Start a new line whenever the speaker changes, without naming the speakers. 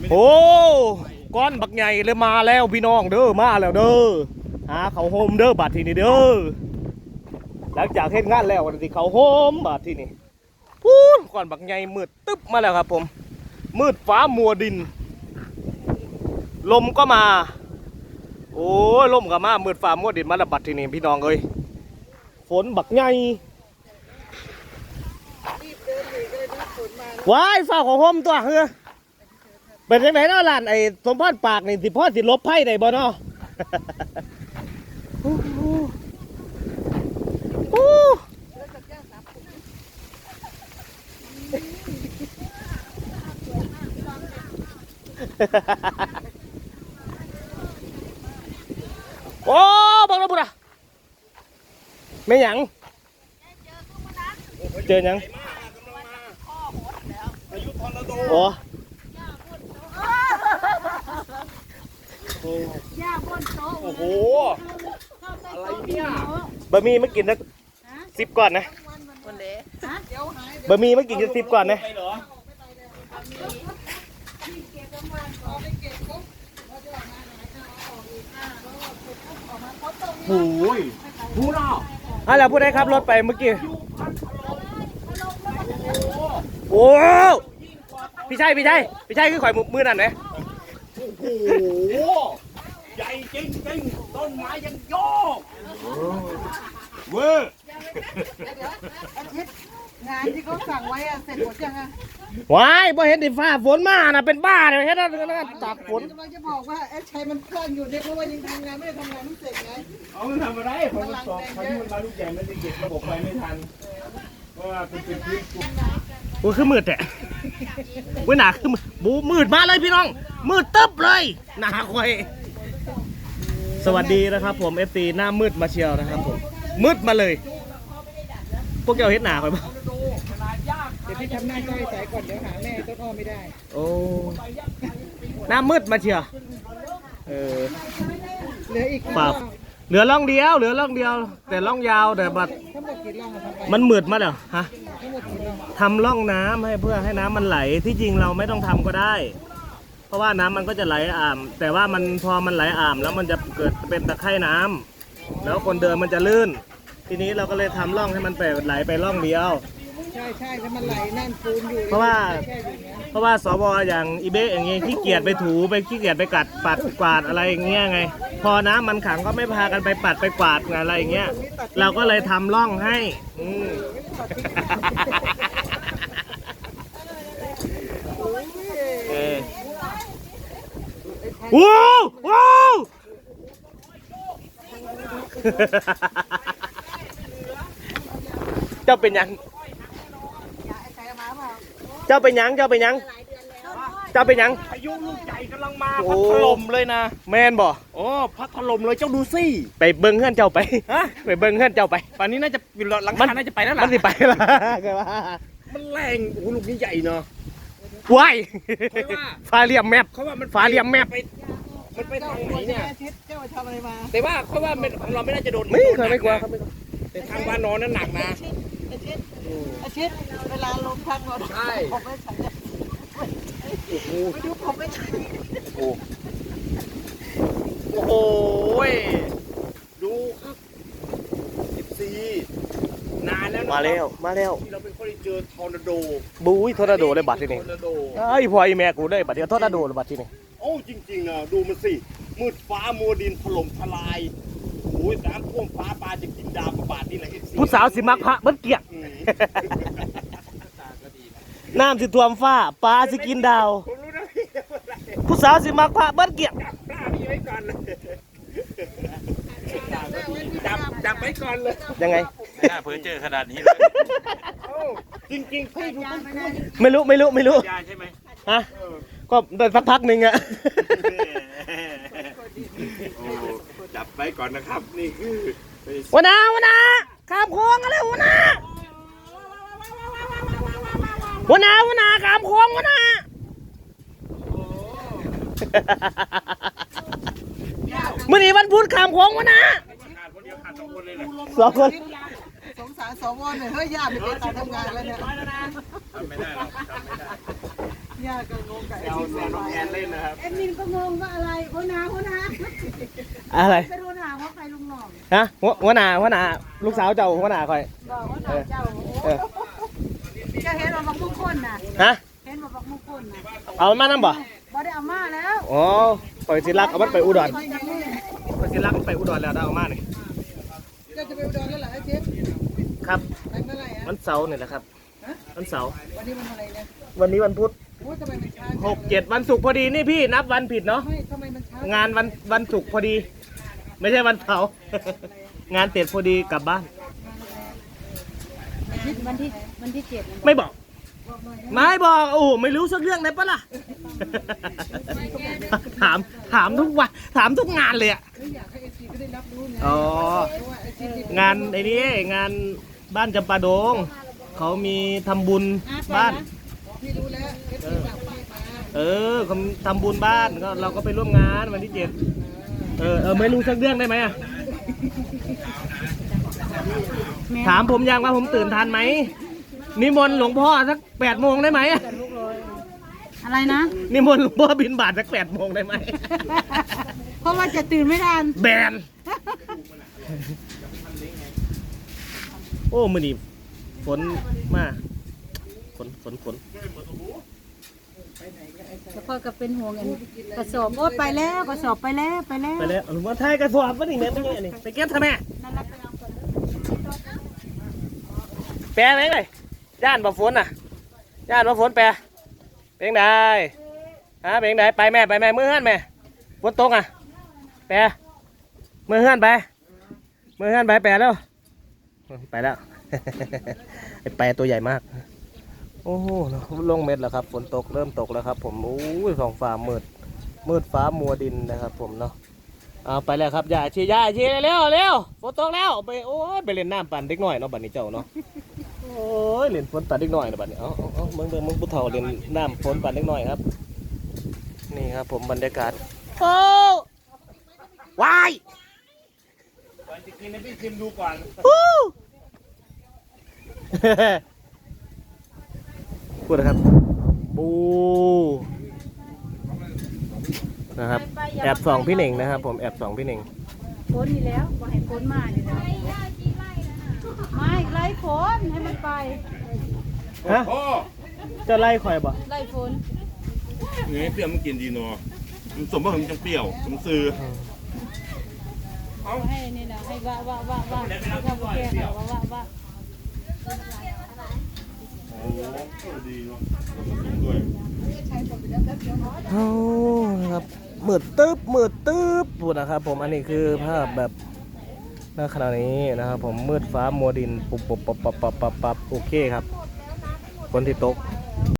โอ้ก้อนบักใหญ่เลยมาแล้วพี่น้องเด้อมาแล้วเด้อหาเขาโฮมเด้อบัดทีนี้เด้อหลังจากเฮ็ดงานแล้ววันที่เขาโฮมบัดทีนี้พูนก้อนบักใหญ่มืดตึ๊บมาแล้วครับผมมืดฟ้ามัวดินลมก็มาโอ้ยลมก็มามืดฟ้ามัวดินมาแล้วบัดทีนี้พี่น้องเอ้ยฝนบักใหญ่ว้ายฝ้าของโฮมตัวเฮ้อเป็นยังไงเนาะหลานไอ้สมพรปากนี่สิพ่อสิลบไพ่ได้บ่เนาะโอ้บังระบุระไม่หยังเจอหยังโอ้โอ้โหอะไรเนี่ยบะหมี่ไม่กินสัก10ก่อนนะบะหมี่ไม่กินสัก10ก่อนนะโอ้ยพูดเอาอะไรพูดได้ครับรถไปเมื่อกี้โอ้พี่ชัยคือข่อยมือนั่นไหม
โอ้โหใหญ่จริงต้นไม้ยังโยกเวอร์
อาทิตย์งานที่เขาสั่งไว้เสร็จหมดยังอะ
ว้ายพอเห็นดิฟ้าฝนมาน่ะเป็นบ้าเลยเห็นแล้วตากฝน
กำลังจะบอกว่าชัยมันเคลื่อนอยู่เนี่ยเพราะว่ายังทำงานไม่ได้ทำงานไม่เสร็จไง
เอามันทำอะไรพอมันตกพายุมันมาลูกใหญ่มันจะเก็บระบบไฟไม่ทันเพราะว่าเป็นพื้น
โอ้คือมืดแหละเว้ยหนาคือมืดมาเลยพี่น้องมืดตึ๊บเลยหนาคอยสวัสดีนะครับผม FC หน้ามืดมาเชียวนะครับผมมืดมาเลยพวกเจ้าเฮ็ดหนาคอยบ้าง
เดี๋ยวพี่ทำหน้าจ้อยใส่ก่อนเดี๋ยวหาแม่ต้นอ้อไม่ได้
โอ้หน้ามืดมาเชียว
เหลืออีก
ฝากเหลือล่องเดียวแต่ล่องยาวแต่บัดมันมืดมาแล้วฮะทำล่องน้ำให้เพื่อให้น้ำมันไหลที่จริงเราไม่ต้องทำก็ได้เพราะว่าน้ำมันก็จะไหลอ่ามแต่ว่ามันพอมันไหลอ่ามแล้วมันจะเกิดเป็นตะไคร่น้ำแล้วคนเดินมันจะลื่นทีนี้เราก็เลยทำล่องให้มันไปไหลไปล่องเดียว
ใช่แล้วมันไหลแน่นปูนอยู่
เพราะว่าสวอย่างอีเบ้อย่างเงี้ยขี้เกียจไปถูไปขี้เกียจไปกัดปัดกวาดอะไรอย่างเงี้ยไงพอน้ำมันขังก็ไม่พากันไปปัดไปกวาดอะไรอย่างเงี้ยเราก็เลยทำล่องให้ว้าวเจ้าเป็นยัง
พายุลูกใหญ่กำลังมาพัดถล่มเลยนะ
แมนบ่
โอ้พัดถล่มเลยเจ้าดูสิ
ไปเบิ้งเฮือนเจ้าไปไปเบิ้งเฮือนเจ้าไป
ป่านนี้น่าจะหลังคาน่าจะไปแล้วล่ะ
มันสิไปละ
มันแรงโอ้ลูกนี้ใหญ่เนาะ
ว้ายฟ้าเหลี่ยมแมพ
เขาว่ามัน
ฟ้าเหลี่ยมแมพ
มันไปทางไหนเนี่ย
เจ้าทำอะไรมา
แต่ว่าเขาว่าเราไม่น่าจะโดน
ไม่กลัวครับ
แต่ทางบ้านนอนนั้นหนักนะ
อาทิตย์เวลาลมพัดใช่ผมไม่ใช่ไม่ดูผมไม่ใช่
โอ้โหดูครับ14นานแล้ว
มาแล้ว
ที่เราเป็นคนที่เจอทอร์นาโด
บุ้ยทอร์นาโดเลยบัดที่นี่ไอ้พ่อไอ้แม่กูเลยบัดเดียวทอร์นาโดเลยบัดที่นี่
โอ้จริงๆนะดูมันสิมืดฟ้ามัวดินถล่มทลายโอ้ยน้ำท่วมฟ้าปลาจะกินดาวประบาดนี่แหละ
ผู้สาวสิมักพระเบิ้ลเกียกน้ำสิท่วมฟ้าปลาสิกินดาวผู้สาวสิมักพระเบิ้ลเกียก
จับไปก่อนเลย
ยังไง
น่าเพิ่งเจอขนาดนี้เลยจริงๆพี่ดู
ไม่รู้
ยาใช่ไหม
ฮะก็ได้สักพักหนึ่งอะ
จับไปก่อนนะครับนี่คือ
วันนาข้ามโค้งกันเลยวันนาข้ามโค้งวันนาเมื่อนี้วันพุธข้ามโค้งวันนาสองคน
สงสารสวเนี่ยเฮ้ยญาติไม่เป็นการทำงานแล้วเนี่ย
ทำไม่ได้
ย่าก็งงกับ
แซวน้องแอนเล่นนะครับ
แอดมินก็งงว่าอะไรหัวหน้า
อะไร
เป็นหัวหน้าว่าใครลุงหน่อง
ฮะหัวหน้าลูกสาวเจ้าหัวหน้าคอย
บอกหัวหน้าเจ้า
เออ
เจ้าเห็นบอกมุกคนน่ะ
ฮะ
เห็นบอกมุกคนน่ะ
เอามันมานั่งบ่
บ่ได้เอามาแล้ว
อ๋อปล่อยสิรักเอามันไปอุดร
ไปยังไง
ปล่อยสิรักมันไปอุดรแล้วได้เอามานี่
ก็จะไปอุดรแล้วเหรอไอ้เจ๊
ครับ
ไปเมื่อไหร่อ่ะ
วันเสาร์นี่แหละครับวันเสาร์
วันนี้มันอะไรนะ
วันนี้วันพุธ
โอ้ยทำไมมันช้า
6 7วันศุกร์พอดีนี่พี่นับวันผิดเนาะ
ไม่ทำไมมันช้าง
านวันศุกร์พอดี ไม่ใช่วันเสาร์ งานเสร็จพอดีกลับบ้าน
วันที่7
ไม่บอก ไม่บอกโอ้โหไม่รู้สักเรื่องเลยปะล่ะ ถามทุกวันถามทุกงานเลยอะ
อยากให้เอซีก็ได้รับรู้ไง
อ๋อ
เพราะว่าไอซี
งานไอ้นี่งานบ้านจำปาดง เขามีทำบุญบ้าน
พี่รู้แล้วเอฟซีฝากพี่มา
เขาทำบุญบ้านก็เราก็ไปร่วมงานวันที่7ไม่รู้สักเรื่องได้ไหมอะถามผมยังว่าผมตื่นทันไหมนิมนต์หลวงพ่อสัก8 โมงได้ไหม
อะไรนะ
นิมนต์หลวงพ่อบิณฑบาตสัก8 โมงได้ไหม
เพราะว่าจะตื่นไม่ทัน
แบน โอ้มือนี่ฝนมาฝน
แล้วพ่อก็เป็นห่วงกระสอบโอ้ไปแล้วกระสอบไปแล้ว
ไปแล้วหลวงพ่อไทยกระสอบวะนี่แม่ไม่ใช่นี่ไปเก็บทำไมแปลไหมเลยย่านบ่ฝนน่ะย่านบ่ฝนแปลเป็นไงฮะเป็นไงไปแม่มือเฮือนแม่ฝนตกอ่ะแปลมือเฮือนไปแปลแล้วไปแล้ว ไอ้แปลตัวใหญ่มากโอ้โหลงเม็ดแล้วครับฝนตกเริ่มตกแล้วครับผมโอ้ยท้องฟ้ามืดฟ้ามัวดินนะครับผมเนาะเอาไปแล้วครับอย่าชี้เร็วฝนตกแล้วไปโอ้ยไปเล่นน้ำปั่นเด็กหน่อยเนาะบัดนี้เจ้าเนาะโอ้ยเล่นฝนปั่นเด็กหน่อยนะบัดนี้เอามึงผู้เฒ่าเล่นน้ำฝนปั่นเด็กหน่อยครับนี่ครับผมบรรยากาศโอ้วายจะกินให้พี่ชิมดูก่อนพูดนะครับปูนะครับแอบส่องพี่เหน่งนะครับผมแอบส่องพี่เหน่ง
ฝนนี่แล้วว่าให้ฝนมานี่แล้วไม่ไล่ฝนให้มันไป
ฮะจะไล่ข่อยบ่
ไล่ฝน
เงี้ยเปรี้ยวมันกินดีเนาะมันสมว่ามันจังเปรี้ยวสมซื้อ
เอาให้นี่นะให้ว่าแก้ว่า
โอ้ดีเนาะด้วย
โอ้นะครับมืดตึ๊บพูดนะครับผมอันนี้คือภาพแบบณขณะนี้นะครับผมมืดฟ้ามัวดินปุบโอเคครับฝนที่ตก